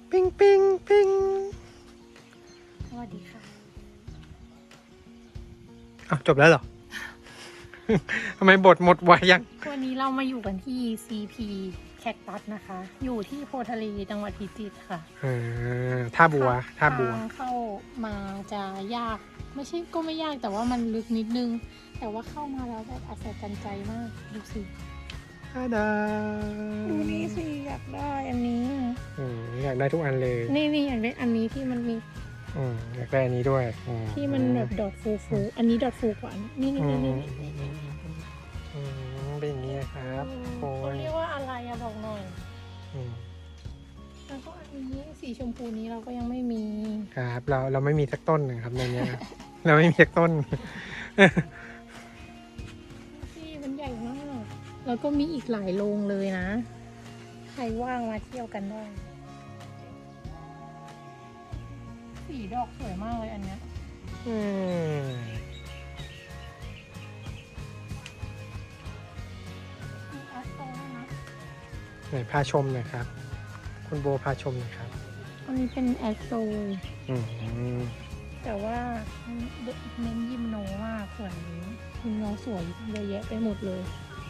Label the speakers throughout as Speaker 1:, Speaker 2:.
Speaker 1: ปิ้งปิ้งปิ้ง
Speaker 2: สวัสดีค่ะ
Speaker 1: อ้าวจบแล้วเหรอ ทำไมบทหมดไวยัง
Speaker 2: วันนี้เรามาอยู่กันที่ CP แคคตัสนะคะ อยู่ที่โพธิ์ทะเลจังหวัดพิจิตรค่ะ
Speaker 1: ท่าบัว ท่าบัว
Speaker 2: ทางเข้ามาจะยาก ไม่ใช่ก็ไม่ยากแต่ว่ามันลึกนิดนึง แต่ว่าเข้ามาแล้วแบบอัศจรรย์ใจมาก ดูสิ
Speaker 1: ท่าดา
Speaker 2: ดูนี่สิอยากได้อันนี้
Speaker 1: อยากได้ทุกอันเลย
Speaker 2: นี่อยากได้อันนี้ที่มันมี
Speaker 1: อยากได้อันนี้ด้วย
Speaker 2: ที่มันแบบดอทฟูอันนี้ดอทฟูกว่านี่นี่นี่
Speaker 1: เป็นอย่างนี้นะครับโอ้
Speaker 2: เขา
Speaker 1: ย
Speaker 2: เรียกว่าอะไรอะบอกหน่อย
Speaker 1: อืม
Speaker 2: แล้วก็อันนี้สีชมพูนี้เราก็ยังไม่มี
Speaker 1: ครับเราไม่มีสักต้นนะครับในเนี้ย เราไม่มีสักต้น
Speaker 2: ที่มันใหญ่มาก แล้วก็มีอีกหลายโรงเลยนะ ใครว่างมาเที่ยวกันได้ สีดอกสวยมากเลยอันเนี้ย
Speaker 1: อืม
Speaker 2: มีแอสโตด้วยนะ
Speaker 1: ไหนพาชมหน่อยครับ คุณโบพาชมหน่อยครับ
Speaker 2: อันนี้เป็นแอสโต
Speaker 1: อืม
Speaker 2: แต่ว่าเน้นยิมโนมากส่วนนี้ยิมโนสวยเยอะแยะไปหมดเลย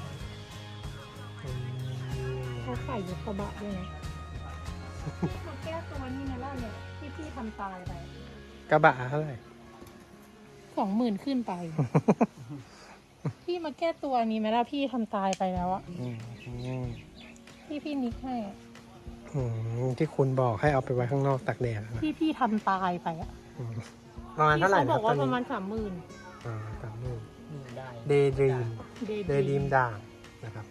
Speaker 2: เขาขายยกกระบะด้วยนะมาแก้ตัวนี่นะล่ะเนี่ยที่พี่ทำตายไป
Speaker 1: กระบะเท่าไหร่
Speaker 2: 20,000ขึ้นไป พี่มาแก้ตัวนี้ไหมล่ะพี่ทำตายไปแล้วอะ
Speaker 1: อืม
Speaker 2: พี่นิกให้อะ
Speaker 1: ที่คุณบอกให้เอาไปไว้ข้างนอกตากแดดนะ
Speaker 2: พี่ทำตายไปอะ
Speaker 1: ประมาณเท่าไหร่
Speaker 2: พี่
Speaker 1: นะ
Speaker 2: เขาบอกว่า
Speaker 1: ต
Speaker 2: ป
Speaker 1: อน
Speaker 2: ระมา
Speaker 1: นี้
Speaker 2: ณ30,000
Speaker 1: 30,000
Speaker 3: ได้
Speaker 1: เดย์ดรีม
Speaker 2: เด
Speaker 1: เดย์ดรีมด่างนะครับ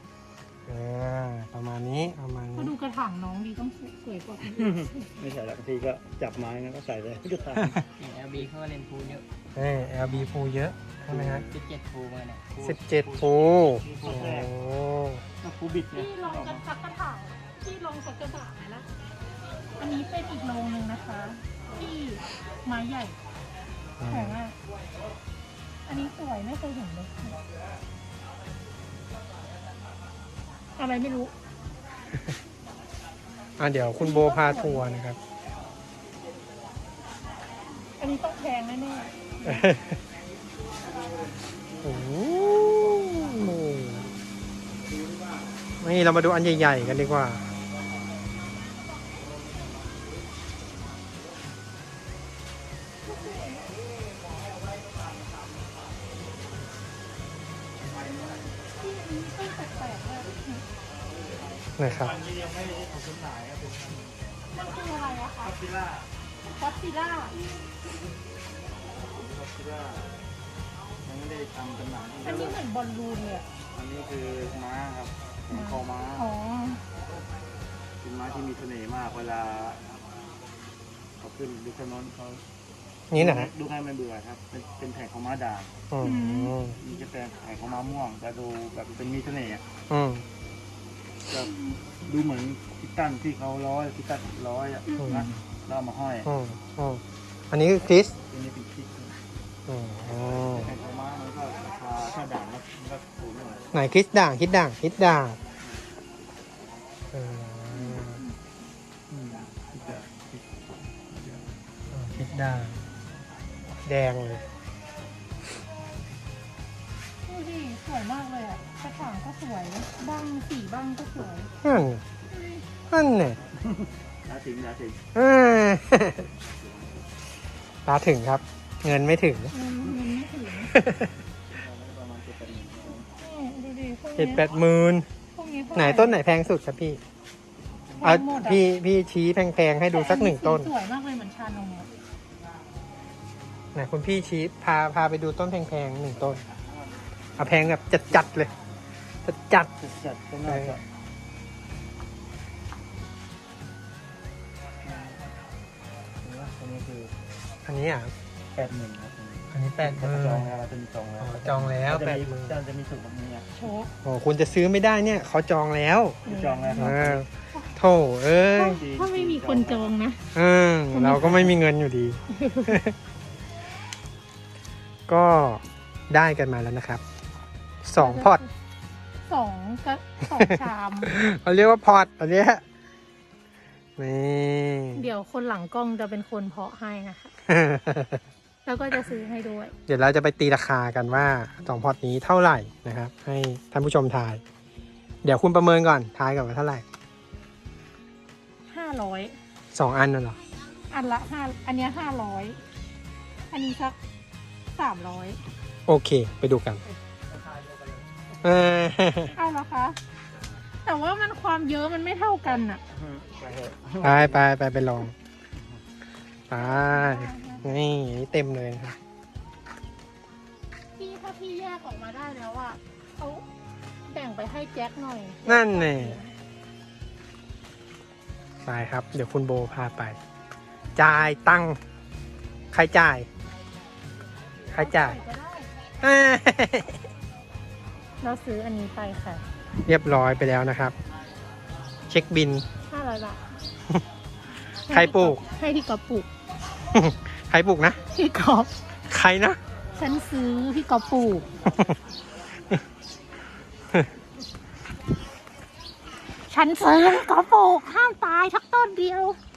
Speaker 1: ประมาณนี้
Speaker 2: เขาดูกระถางน้องดีต้องสวยกว่าคนอื่น
Speaker 3: ไม่ใช่แล้วบางทีก็จับไม้นะก็ใส่เลยก็ตาม
Speaker 4: LB เขาก็เล่นพูลเยอะ
Speaker 1: LB ฟูเยอะใช่ไหมฮะ
Speaker 4: 17พูลมาเนี่ย
Speaker 1: 17ฟูโอ้
Speaker 3: ก็ฟูบิดเนี่ย
Speaker 2: พี่ลองกันสักกระถางพี่ลองสักกระถางไหมล่ะอันนี้เป็นอีกโรงหนึ่งนะคะ ที่ไม้ใหญ่แข็งอ่ะอันนี้สวยไม่เคยเห็นเลยอะไรไม่รู้
Speaker 1: เดี๋ยวคุณโบพาทัวร์นะครับ
Speaker 2: อันนี้ต้องแพงแน่
Speaker 1: โอ้โหนี่เรามาดูอันใหญ่ๆกันดีกว่า
Speaker 2: ๆที่อันนี้ต้นแปลกๆเลย
Speaker 1: นะครับ
Speaker 3: ที่ยังไม่ได้ทำจำหน่ายก็เป็น
Speaker 2: มันคืออะไรอะคะ
Speaker 3: ฟิล่า
Speaker 2: ก็อดซิลล่า
Speaker 3: ฟิล่ายังไม่ได้ทำจำหน่าย
Speaker 2: อันนี้เหมือนบอลลูนเลยอะ
Speaker 3: อันนี้คือม้าครับเป็นคอม้า
Speaker 2: อ๋อ
Speaker 3: เป็นม้าที่มีเสน่ห์มากเวลาเขาขึ้นดูถนนเขา
Speaker 1: นี่นะฮะ
Speaker 3: ดูให้ไม่เบื่อครับเป็นแผงของม้าด่าง
Speaker 1: อืม
Speaker 3: มีจะเป็นแผงของม้าม่วงแต่ดูแบบเป็นมีเสน่ห์อะ
Speaker 1: อืม
Speaker 3: จะดูเหมือนพิตันที่เขาพิตันอ่ะนะแล้วเอามาห้อย
Speaker 1: อันนี้คือคริส
Speaker 3: อันนี้เป็นคลิป
Speaker 1: อืม
Speaker 3: แผ่นของม้ามันก็ราคาถ้าด่างแล้วมันก็ถูกหน่อย
Speaker 1: ไหนคริสด่างคริสด่างคริสด่างเออ คริสด่างแดงเลย
Speaker 2: ดูดิสวยมากเลยอะกระถางก็สวยบ้างสีบ้างก็สวย
Speaker 1: นั่นเนี่ย
Speaker 3: ราถึง
Speaker 1: เออตาถึงครับ เงินไม่ถึง
Speaker 2: เงินไม่ถึง
Speaker 3: ประมาณ7-8
Speaker 2: ดูดิพวก
Speaker 1: เจ็ด
Speaker 2: เนี้ย
Speaker 1: แปดหมื่น
Speaker 2: พวกนี้เท่า
Speaker 1: ไหน
Speaker 2: ร่
Speaker 1: ต้นไหนแพงสุดครับพี่
Speaker 2: แพงหมดอะ
Speaker 1: พี่ชี้แพงๆให้ดูสักหนึ่งต้น
Speaker 2: สวยมากเลยเหมือนชานมอะ
Speaker 1: ไหนคุณพี่ชี้พาไปดูต้นแพงๆหนึ่งต้นเอาแพงแบบจัดๆเลยจัด
Speaker 3: จัดก็น่าจะอันนี้คือ
Speaker 1: ๆอันนี้อ่ะ
Speaker 3: 80,000ครับ
Speaker 1: อันนี้80,000
Speaker 3: จองแล้วเราจะมีจองแล้ว
Speaker 1: จองแล้ว
Speaker 3: จะมีสูตรแบบนี้อ่ะ
Speaker 2: โชก
Speaker 1: โอ้คุณจะซื้อไม่ได้เนี่ยเขาจองแล้ว
Speaker 3: จองแล้วค
Speaker 1: เอ
Speaker 3: รับ
Speaker 1: อโถเอ้ย
Speaker 2: ถ้าไม่มีคนจองนะ
Speaker 1: เราก็ไม่มีเงินอยู่ดี ก็ได้กันมาแล้วนะครับ2 พอร์ต
Speaker 2: 2 ชาม
Speaker 1: เขาเรียกว่าพอร์ตอันเนี้ยนี่
Speaker 2: เดี๋ยวคนหลังกล้องจะเป็นคนเพาะให้นะคะ แล้วก็จะซื้อให้ด้วย
Speaker 1: เดี๋ยวเราจะไปตีราคากันว่า2 พอร์ตนี้เท่าไหร่นะครับ ให้ท่านผู้ชมทาย เดี๋ยวคุณประเมินก่อนทายก่อนว่าเท่าไหร่
Speaker 2: 500
Speaker 1: 2 อันน่ะเหรอ
Speaker 2: อันละ5อันเนี้ย500 อันนี้สัก300
Speaker 1: โอเค ไปดูกันเออ
Speaker 2: เอาละคะ แต่ว่ามันความเยอะมันไม่เท่ากันอะ
Speaker 3: ไปเถอะ
Speaker 1: ไปลองไปนี่เต็มเลยนะครับ
Speaker 2: พี่ถ้าพี่แยกออกมาได้แล้วอะเขาแบ่งไปให้แจ็คหน่อย
Speaker 1: นั่นแน่ไปครับ เดี๋ยวคุณโบพาไป จ่ายตังค์ใครจ่าย ใครจ่าย
Speaker 2: ก็ได้
Speaker 1: เอ้ย
Speaker 2: เราซื้ออันนี้ไปค่ะ
Speaker 1: เรียบร้อยไปแล้วนะครับ เช็คบิน
Speaker 2: 500 บาท
Speaker 1: ใครปลูก
Speaker 2: ให้พี่กอฟปลูก
Speaker 1: ใครปลูกนะ
Speaker 2: พี่กอฟ
Speaker 1: ใครนะ
Speaker 2: ฉันซื้อพี่กอฟปลูก ฉันซื้อพี่กอฟปลูกห้ามตายทักต้นเดียว